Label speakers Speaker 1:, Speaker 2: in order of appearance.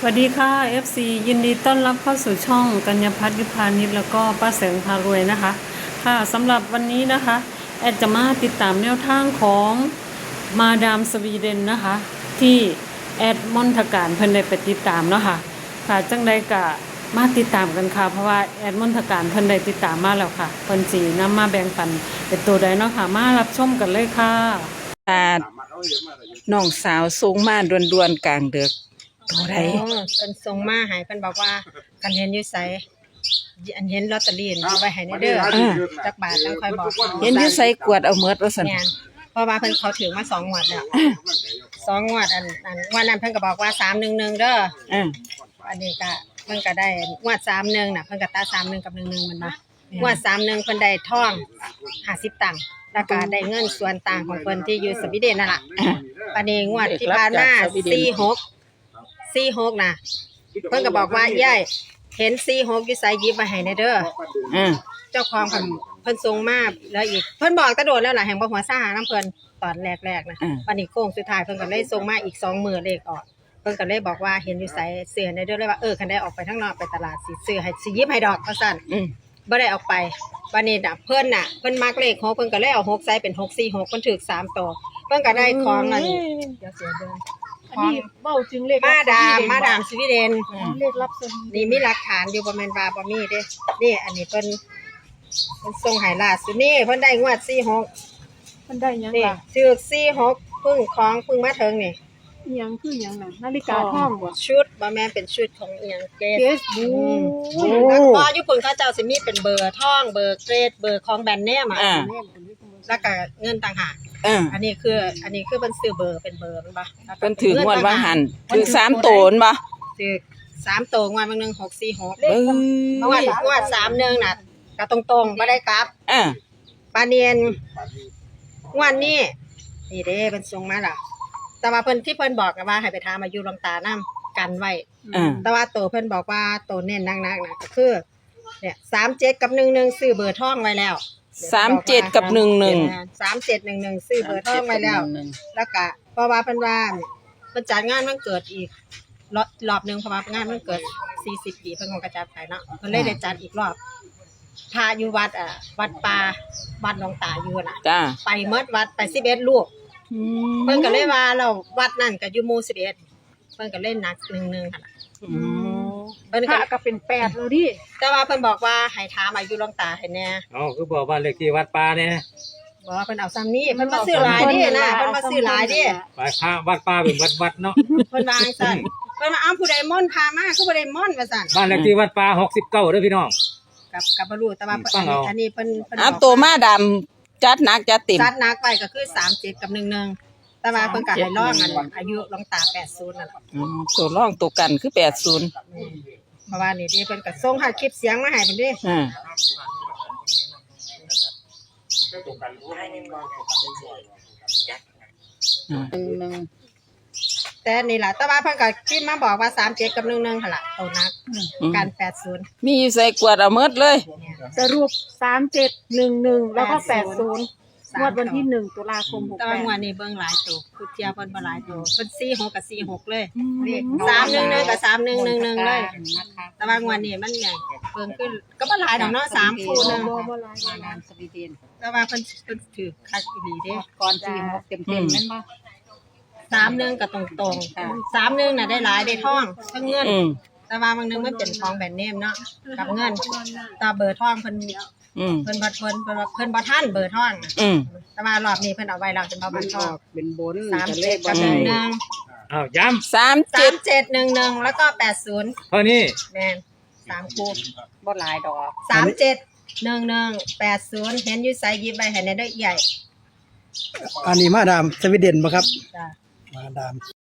Speaker 1: สวัสดีค่ะ FC ยินดีต้อนรับเข้าสู่ช่องกัญญพัฒน์ยุพานิชแล้วก็ป้าแสงพารวยนะคะค่ะสำหรับวันนี้นะคะแอดจะมาติดตามแนวทางของมาดามสวีเดนนะคะที่แอดมอนทการเพิ่นได้ไปติดตามเนาะค่ะค่ะจังใดก็มาติดตามกันค่ะเพราะว่าแอดมอนทการเพิ่นได้ติดตามมาแล้วค่ะเพิ่นสินำมาแบ่งปันเป็นตัวใดเนาะค่ะมารับชมกันเลยค่ะ
Speaker 2: น้องสาวสูงมาด่วนๆกลางดึกตัวใด
Speaker 3: เพิ่นส่งมาให้เพิ่นบอกว่าคันเห็นอยู่ไสอันเห็นลอตเตอรี่อยู่ไว้ให้ในเด้อจักบาทจังค่อยบอก
Speaker 2: เห็นอยู่ใส่กวดเอาเมิดว่าซั่น
Speaker 3: แม่นเพราะว่าเพิ่นเขาถือมา2งวดแล้ว2งวดอันวันนั้นเพิ่นก็บอกว่า311เด้ออันนี้ก็เพิ่นก็ได้งวด31น่ะเพิ่นก็ตัด31กับ11มันมางวด31เพิ่นได้ทอง50ตังค์แล้วก็ได้เงินส่วนต่างของเพิ่นที่อยู่สวีเดนนั่นล่ะอันนี้งวดที่ผ่านมา46น่ะเพิ่นก็บอกว่ายายเห็น46อยู่ไสหยิบมาให้ในเด้อเจ้าของเพิ่นส่งมาแล้วอีกเพิ่นบอกตะโดดแล้วล่ะแห่งบ่หัวซ่าน้ำเพิ่นตอนแรกๆนะวันนี้โค้งสุดท้ายเพิ่นก็เลยส่งมาอีก2มื้อเลขออกเพิ่นก็เลยบอกว่าเห็นอยู่ไสเสื้อในเด้อเลยว่าคันได้ออกไปข้างนอกไปตลาดสิซื้อให้สิหยิบให้ดอกว่าซั่นบ่ได้ออกไปวันนี้น่ะเพิ่นมักเลข6เพิ่นก็เลยเอา6ใส่เป็น646เพิ่นถูก3ตัวเพิ่นก็ได้ของอันนี้เดี๋ยวเสียเดิน
Speaker 4: อันนี้เบ้าจึงเลข
Speaker 3: มาดามสวีเดน
Speaker 4: เลขรับสวีเดน
Speaker 3: นี่มีหลักฐานอยู่บ่แม่นว่าบ่มีเด้นี่อันนี้เพิ่นส่งให้ล่าสุดนี่เพิ่นได้งวด46
Speaker 4: มันได้หยัง
Speaker 3: นี่
Speaker 4: ล่ะ
Speaker 3: ถูก46เพิ่งมาถึงนี่
Speaker 4: อิหยังคือหยังน่ะนาฬิกาทองบ่
Speaker 3: ชุดบ่แม่นเป็นชุดของอีหยังเกรด
Speaker 4: เกสบู
Speaker 3: แล้วก็ญี่ปุ่นเขาเจ้าสิมีเป็นเบอร์ทองเบอร์เกรดเบอร์ของแบรนด์เนมอ่ะแล้วก็เงินต่างหากอันนี้คือเพิ่นซื้อเบอร์เป็นเบอร์มันบ่
Speaker 2: เพิ่นถืองวดว่าหันถือ3โตนบ่
Speaker 3: ซื้อ3ตัวงวดบางนึง646
Speaker 2: เบิ่ง
Speaker 3: งวด31น่ะก็ตรงๆบ่ได้กลับปาเนียนงวดนี้นี่เด้เพิ่นส่งมาล่ะแต่ว่าเพิ่นที่เพิ่นบอกว่าให้ไปถามอายุหลวงตานำกันไว้แต่ว่าตัวเพิ่นบอกว่าตัวเน้นนักๆน่ะก็คือเนี่ย37กับ11ซื้อเบอร์ทองไว้แล้ว
Speaker 2: 37กับ11
Speaker 3: 3711ซื้อเบอร์ทองไว้แล้วแล้วก็เพราะว่าเพิ่นว่าเพิ่นจัดงานวันเกิดอีกรอบนึงเพราะว่างานวันเกิด40ปีเพิ่นคงกระจัดไปเนาะเพิ่นเลยได้จัดอีกรอบพาอยู่วัดวัดป่าวัดหลวงตาอยู่น่ะ
Speaker 2: จ้า
Speaker 3: ไปเมิดวัดไป11ลูกเพิ่นก็เลยว่าเราวัดนั่นก็อยู่หมู่11เพิ่นก็เล่นหนัก11หั่นล่ะเพิ่น
Speaker 4: พระก็เป็น8แล้วดิ
Speaker 3: แต่ว่าเพิ่นบอกว่าให้ถามอายุหลวงตาให้แน่
Speaker 5: คือบอกว่าเลขที่วัดป่าเนี่ย
Speaker 3: บอกว่าเพิ่นเอาซ้ำนี้เพิ่นมาซื้อหลายดินะเพิ่นมาซื้อหลายดิ
Speaker 5: ไปพระวัดป่าเป็นวัดเนาะ
Speaker 3: เพิ่นว่าจังซั่นเพิ่นว่าอ้าวผู้ใดม่อนพามาคือบ่ได้ม่อนว่าซั่น
Speaker 5: บ้านเลขที่วัดป่า69เด้อพี่น้อง
Speaker 3: กับบ่รู้แต่ว่าอันนี้เพิ่น
Speaker 2: ตัวมาดำจัดหนักจัดเต็ม
Speaker 3: ซัดหนักไปก็คือ37กับ11แต่ว่าเพิ่นก็ให้ร้องอายุหลวงตา80นั่นล่ะ
Speaker 2: ตัวรองตัวกันคือ80
Speaker 3: เพราะว่านี่ดิเพิ่นก็ส่งหาคลิปเสียงมาให้เพิ่นดิแต่นี่ล่ะแต่ว่าเพิ่นก็พิมพ์มาบอกว่า37กับ11หั่นล่ะตัวนักกัน80
Speaker 2: มีอยู่ใส่กวดเอาเมิดเลย
Speaker 4: สรุป3711แล้วก็80งวดวันที่1ตุลาคม
Speaker 3: แต่ว่างวดนี้เบิ่งหลายตัวคือเทียเพิ่นบ่หลายตัวเพิ่น46กับ46เลยนี่311กับ3111เลยแต่ว่างวดนี้มันใหญ่เพิ่นคือก็บ่หลายดอกเนาะ3คู่นึง
Speaker 4: บ่หลาย
Speaker 3: มานานสวีเดนแต่ว่าเพิ่นถือคักอีหลีเด้
Speaker 4: ก่อน46เต็มๆแม่นบ่
Speaker 3: 31ก็ตรงๆ31น่ะได้หลายได้ทองทั้งเงินแต่ว่าบางนึงมันเป็นทองแบรนด์เนมเนาะกับเงินตาเบอร์ทองเพิ่นบ่ทันเบอร์ทองแต่ว่ารอบนี้เพิ่นเอาไว้แล้วเป็นบ่มันทอง
Speaker 4: เป็นบน
Speaker 3: 37กับ11
Speaker 5: อ้าวย้ำ
Speaker 3: 3711แล้วก็80
Speaker 5: เท่านี้
Speaker 3: แม่น3คู่
Speaker 4: บ่หลายดอก
Speaker 3: 3711 80เห็นอยู่ไสหยิบไว้ให้ในเด้อใหญ่
Speaker 6: อันนี้มาดามสวีเดนบ่ครับ
Speaker 3: จ้ะ
Speaker 6: มาดาม